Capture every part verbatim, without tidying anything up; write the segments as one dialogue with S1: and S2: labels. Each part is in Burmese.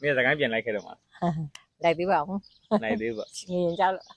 S1: မင်းစကိုင်းပြန်လိုက်ခဲ့တော့မှာ
S2: လိုက်သေးပါဦး
S1: လိုက်သေးပါ
S2: ငရင်ကြောက်လို့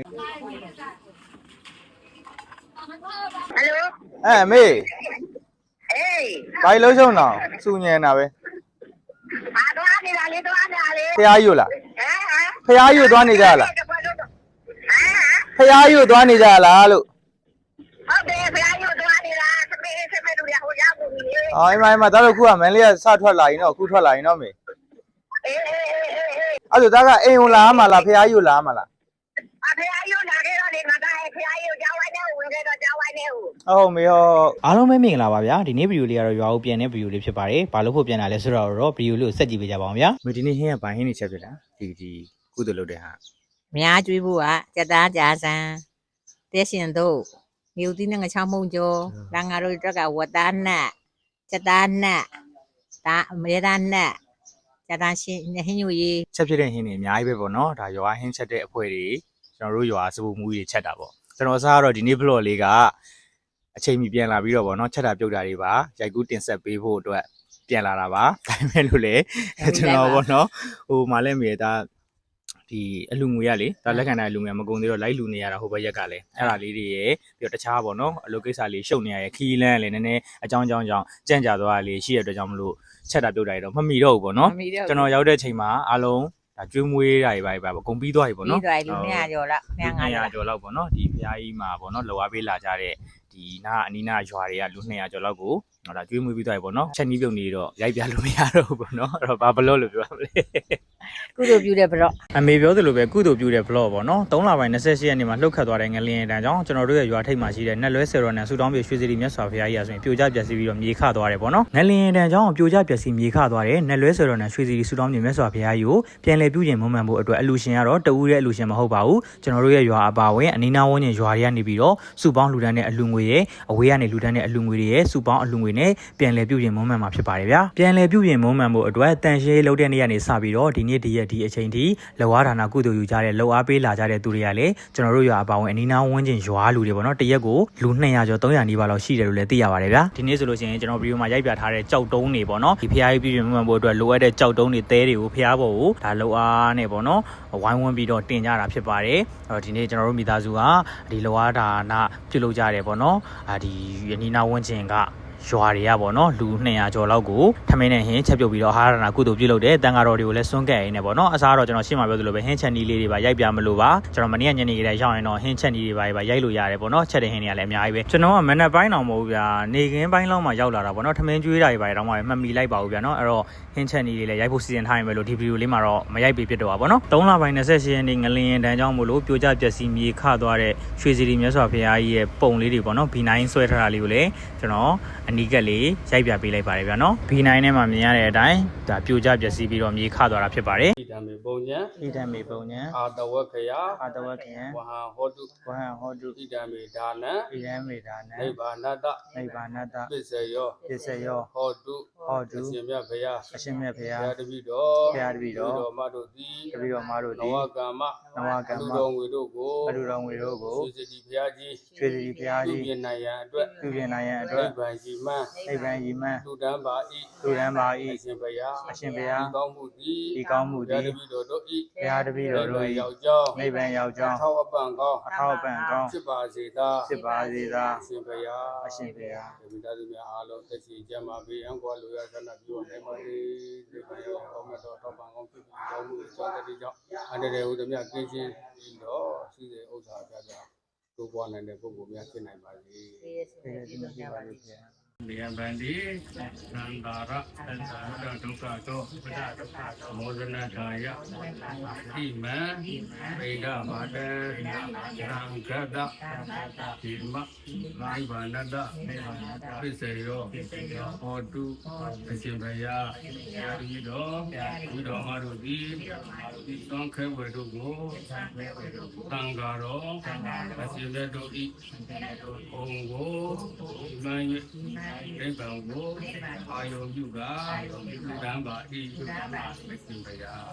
S3: ဟယ်လို
S1: အဲမေး
S3: အေး
S1: ဘာလို့ရှုံးတော့စူညံတာပဲ
S3: အာသွားနေတာလေသွားနေတာလေ
S1: ဖျားယူလား
S3: ဟမ်ဟမ်
S1: ဖျားယူသွားနေကြလား
S3: ဟမ်
S1: ဖျားယူသွားနေကြလားလို့
S3: ဟုတ်တယ်ဖျားယူသွားနေတာသမီးသမီးတို့ရဟိုရောက်ပြီလေ
S1: အော်အိမ်မအိမ်မဒါတော့ခုကမန်လေးကစထွက်လာရင်တော့ခုထွက်လာရင်တော့မေ
S3: အေးအေးအေးအေး
S1: အဲ့ဒါကအိမ်ဝင်လာမလားဖျားယူလာမလား
S3: အဖျားယူလာခဲ့တော့လေငါကဖျားယူကြောင်းဝိုင်းနဲ့ဝင်ခဲ့တော့ကြောင်းဝိုင်းနဲ့ဟုတ်
S1: ဟုတ်မေဟုတ်
S4: အားလုံးပဲမင်္ဂလာပါဗျာဒီနေ့ဗီဒီယိုလေးကတော့ရွာဦးပြန်တဲ့ဗီဒီယိုလေးဖြစ်ပါတယ်ဘာလို့ဖို့ပြန်လာလဲဆိုတော့ဗီဒီယိုလေးကိုဆက်ကြည့်ပေးကြပါအောင်ဗျာ
S1: မေဒီနေ့ဟင်းကဘာဟင်းနေချက်ဖြစ်လားဒီဒီကုသလုပ်တဲ့ဟာ
S2: များကျွေးဖို့ကကြက်သားကြာစံတဲရှင်တို့မြို့သီးနဲ့ငချောင်းမုံကျော်လန်ငါတို့တက်ကဝတ်သားနဲ့ကြက်သားနဲ့ဒါအမေသားနဲ့ကြက်သားရှင်ဟင်းညိုရေး
S1: ချက်ဖြစ်တဲ့ဟင်းတွေအများကြီးပဲပေါ့နော်ဒါရွာဟင်းချက်တဲ့အဖွဲတွေကျွန်တော်တို့ရွာစပူမူကြီးချက်တာပေါ့ကျွန်တော်စားကတော့ဒီနေ့ vlog လေးကအချိန်မီပြန်လာပြီးတော့ဗောနော်ချက်တာပြုတ်တာတွေပါရိုက်ကူးတင်ဆက်ပေးဖို့အတွက်ပြန်လာတာပါဒါပေမဲ့လို့လေကျွန်တော်ဗောနော်ဟိုမှလည်းမြေဒါဒီအလူငွေရလေဒါလက်ခံတဲ့အလူငွေမကုန်သေးတော့လိုက်လူနေရတာဟိုဘက်ရက်ကလည်းအဲ့ဒါလေးတွေရပြီးတော့တခြားဗောနော်အလုပ်ကိစ္စလေးရှုပ်နေရရခီးလန်းလေနည်းနည်းအကြောင်းအကြောင်းကြောင့်ကြံ့ကြာသွားတာလေးရှိရတဲ့အတွက်ကြောင့်မလို့ချက်တာပြုတ်တာတွေတော့မမီတော့ဘူးဗောနော်ကျွန်တော်ရောက်တဲ့အချိန်မှာအားလုံးဒါကျွေးမွေးတာတွေပါပါအကုန်ပြီးသွားပြီပေါ့နော်
S2: ပြီးသွားပြီလူနှစ်ရာကျော်လောက်
S1: နှစ်ရာကျော်လောက်ပေါ့နော်ဒီဖျားကြီးမှာပေါ့နော်လောအားပေးလာကြတဲ့ဒီနာအနီးနာရွာတွေကလူနှစ်ရာကျော်လောက်ကိုတော့ဒါကျွေးမွေးပြီးသွားပြီပေါ့နော်ချက်နီးပြုတ်နေတော့ရိုက်ပြလို့မရတော့ဘူးပေါ့နော်အဲ့တော့ဘာဘလော့လို့ပြောရမလဲ
S2: ကုသိုလ်ပြုတဲ့ဘလော့
S1: အမေပြောသလိုပဲကုသိုလ်ပြုတဲ့ဘလော့ပေါ့နော်သုံးလပိုင်း၂၈ရက်နေ့မှာလှုပ်ခတ်သွားတဲ့ငလျင်တန်းကြောင့်ကျွန်တော်တို့ရဲ့ရွာထိပ်မှာရှိတဲ့နက်လွဲဆယ်တော်နဲ့ဆူတောင်းပြေရွှေစီရီမြတ်စွာဘုရားကြီးအဆိုရင်ပြိုကျပျက်စီးပြီးတော့မြေခသွားတယ်ပေါ့နော်ငလျင်တန်းကြောင့်ပြိုကျပျက်စီးမြေခသွားတဲ့နက်လွဲဆယ်တော်နဲ့ရွှေစီရီဆူတောင်းပြေမြတ်စွာဘုရားကြီးကိုပြန်လည်ပြုပြင်မွမ်းမံဖို့အတွက်အလူရှင်ကတော့တဦးရဲ့အလူရှင်မဟုတ်ပါဘူးကျွန်တော်တို့ရဲ့ရွာအပါဝင်အနီးနားဝန်းကျင်ရွာတွေကနေပြီးတော့စုပေါင်းလူတန်းတဲ့အလူငွေရဲ့အဝေးကနေလူတန်းတဲ့အလူငွေတွေရဲ့စုပေါင်းအလူငွေနဲ့ပြန်လည်ပြုပြင်မွမ်းမံမှာဖြစ်ပါတယ်ဗျာပြန်လည်ပြုပြင်မွမ်းမံဖို့အတွက်တန်ရှင်းလုပ်တဲ့နေ့ကနေစပြီးတော့ဒီနေ့ဒီရက်ဒီအချိန်ထိလောအားဌာနကုသိုလ်ယူကြတဲ့လောအားပေးလာကြတဲ့သူတွေကလည်းကျွန်တော်တို့ရွာအပါဝင်အနီးနားဝန်းကျင်ရွာလူတွေပေါ့နော်တရက်ကိုလူနှစ်ရာကျော်သုံးရာနီးပါးလောက်ရှိတယ်လို့လည်းသိရပါတယ်ဗျာဒီနေ့ဆိုလို့ရှိရင်ကျွန်တော်ဗီဒီယိုမှာရိုက်ပြထားတဲ့ကြောက်တုံးတွေပေါ့နော်ဒီဖျားကြီးပြုပြင်မွမ်းမံဖို့အတွက်လိုအပ်တဲ့ကြောက်တုံးတွေသဲတွေကိုဖျားဖို့ဒါလောအားနဲ့ပေါ့နော်ဝိုင်းဝန်းပြီးတော့တင်ကြတာဖြစ်ပါတယ်အဲ့တော့ဒီနေ့ကျွန်တော်တို့မိသားစုကဒီလောအားဌာနပြုလုပ်ကြတယ်ပေါ့နော်အာဒီအနီးနားဝန်းကျင်ကရွာတွေကပေါ့နော်လူနှစ်ရာကျော်လောက်ကိုထမင်းနဲ့ဟင်းချက်ပြုတ်ပြီးတော့ဟာရနာကုသိုလ်ပြုလုပ်တယ်တန်ဃာတော်တွေကိုလည်းစွန့်ကဲ့ရင်းနဲ့ပေါ့နော်အစားတော့ကျွန်တော်ရှင်းမှာပြောသလိုပဲဟင်းချက်နီးလေးတွေပါရိုက်ပြမလို့ပါကျွန်တော်မနေ့ကညနေခင်းရောက်ရင်တော့ဟင်းချက်နီးတွေပါပါရိုက်လို့ရတယ်ပေါ့နော်ချက်တဲ့ဟင်းတွေကလည်းအများကြီးပဲကျွန်တော်ကမနက်ပိုင်းတော့မဟုတ်ဘူးဗျာနေခင်းပိုင်းလောက်မှရောက်လာတာပေါ့နော်ထမင်းကျွေးတာတွေပါတော့မှမှတ်မိလိုက်ပါဘူးဗျာနော်အဲ့တော့ဟင်းချက်နီးတွေလည်းရိုက်ဖို့စီစဉ်ထားရင်ပဲလို့ဒီဗီဒီယိုလေးမှာတော့မရိုက်ပေးဖြစ်တော့ပါပေါ့နော်သုံးလပိုင်း၂၈ရက်နေ့ငလျင်တန်းကြောင့်မို့လို့ပြိုကျပျက်စီးမြေခသွားတဲ့ရွှေစီရီမြတ်စွာဘုရားကြီးရဲ့ပုံလေးတွေပေါ့နော် ဘီ နိုင် ဆွဲထားတာလေးကိုလည်းကျွန်တော်အနီးကပ်လေးရိုက်ပြပေးလိုက်ပါတယ်ဗျာနော် ဘီ နိုင် ထဲမှာမြင်ရတဲ့အတိုင်းဒါပြိုကျပျက်စီးပြီးတော့မြေခသွားတာဖြစ်ပါတယ်ဣဒံမေပုံညံဣဒံမေပုံညံအာတဝက္ခယအာတဝက္ခယဝဟံဟောတုဝဟံဟောတုဣဒံမေဒါနံဣဒံမေဒါနံနိဗ္ဗာနတနိဗ္ဗာနတပစ္စယောပစ္စယောဟောတုဟောတုအရှင်မြတ်ဘုရားအရှင်မြတ်ဘုရားဘုရားတပည့်တော်ဘုရားတပည့်တော်မတို့သည်တပည့်တော်မတို့သည်နဝကမ္မနဝကမ္မလူတော်ငွေတို့ကိုလူတော်ငွေတို့ကိုရွှေစီဘုရားကြီးရွှေစီဘုရားကြီးပြုပြင်နိုင်ရန်အတွက်ပြုပြင်နိုင်ရန်အတွက်နိဗ္ဗာန်ရှိမှန်းနိဗ္ဗာန်ရှိမှန်းလူတန်းပါဤလူတန်းပါဤအရှင်ဘုရားအရှင်ဘုရားဒီကောင်းမှုသည်ဒီကောင်းမှုသည်ဘုရားတပည့်တော်တို့ဤဘုရားတပည့်တော်တို့ဤရောက်ကြောင်းနိဗ္ဗာန်ရောက်ကြောင်းအထောက်အပံ့ကောင်းအထောက်အပံ့ကောင်းဖြစ်ပါစေသာဖြစ်ပါစေသာအရှင်ဘုရားအရှင်ဘုရားဒီမိသားစုများအားလုံးသက်ရှိကြမှာပေးအံကွာလူရဆန္ဒပြုနိုင်ပါစေဒီဘုရားကောင်းမြတ်တော်ထောက်ပံ့ကောင်းဖြစ်ပြီးကောင်းမှုအကြောင်းတည်းကြောင့်အန္တရာယ်ဟူသည်များကင်းရှင်းပြီးတော့ရှိတဲ့ဥစ္စာပြပြတို့ပွားနိုင်တဲ့ပုဂ္ဂိုလ်များဖြစ်နိုင်ပါစေ။ဒီနေ့ဒီနေ့ပါလိမ့်မယ်။ဒီအဘန်ဒီသံဃာရသံဃာဒုက္ခတောပဒဒုက္ခတောမောဇနထာယဣမံပေဒမာတံသံဃတဒီမနိဗ္ဗာနတပစ္စယောဟောတုအရှင်ဘုရားယာတိတော်ဒီတော်မတို့သည်ဒီသံဃဝေတို့ကိုသံဃာတော်အရှင်ဘုရားတို့ဤဘုံကိုမှန်၍နိဗ္ဗာန်ကိုအာယုံပြုကလူတန်းပါဤလူတန်းပါအရှင်ဘုရား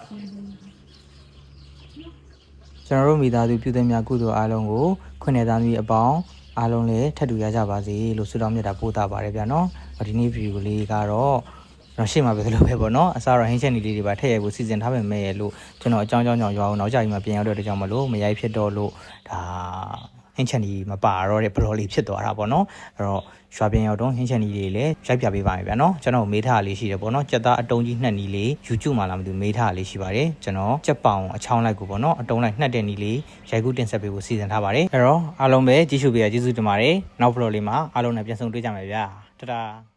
S1: ကျွန်တော်တို့မိသားစုပြုတဲ့များကုသိုလ်အားလုံးကိုခွင့်နဲ့သားသမီးအပေါင်းအားလုံးလည်းထပ်တူရကြပါစေလို့ဆုတောင်းမြတ်တာပို့တာပါတယ်ဗျာနော်ဒီနေ့ဗီဒီယိုလေးကတော့
S4: ကျွန်တော်ရှေ့မှာပဲလို့ပဲပေါ့နော်အစားတော့ဟင်းချက်နီလေးတွေပါထည့်ရိုက်ဖို့စီစဉ်ထားပေမဲ့လို့ကျွန်တော်အကြောင်းကြောင်းကြောင့်ရွာအောင်နောက်ကြပြီးမှပြန်ရောက်တဲ့ကြောင့်မလို့မရိုက်ဖြစ်တော့လို့ဒါဟင်းချက်နီမပါတော့တဲ့ဘလော်လေးဖြစ်သွားတာပေါ့နော်အဲ့တော့ရွာပြန်ရောက်တော့ဟင်းချက်နီလေးလည်းရိုက်ပြပေးပါမယ်ဗျာနော်ကျွန်တော်မေးထားလေးရှိတယ်ပေါ့နော်ကြက်သားအတုံးကြီးနှက်နီလေး YouTube မှာလာမသိမေးထားလေးရှိပါတယ်ကျွန်တော်ကြက်ပောင်အချောင်းလိုက်ကိုပေါ့နော်အတုံးလိုက်နှက်တဲ့နီလေးရိုက်ကူးတင်ဆက်ပေးဖို့စီစဉ်ထားပါတယ်အဲ့တော့အားလုံးပဲကြည့်ရှုပေးရကျေးဇူးတင်ပါတယ်နောက်ဘလော်လေးမှာအားလုံးနဲ့ပြန်ဆုံတွေ့ကြမယ်ဗျာတတာ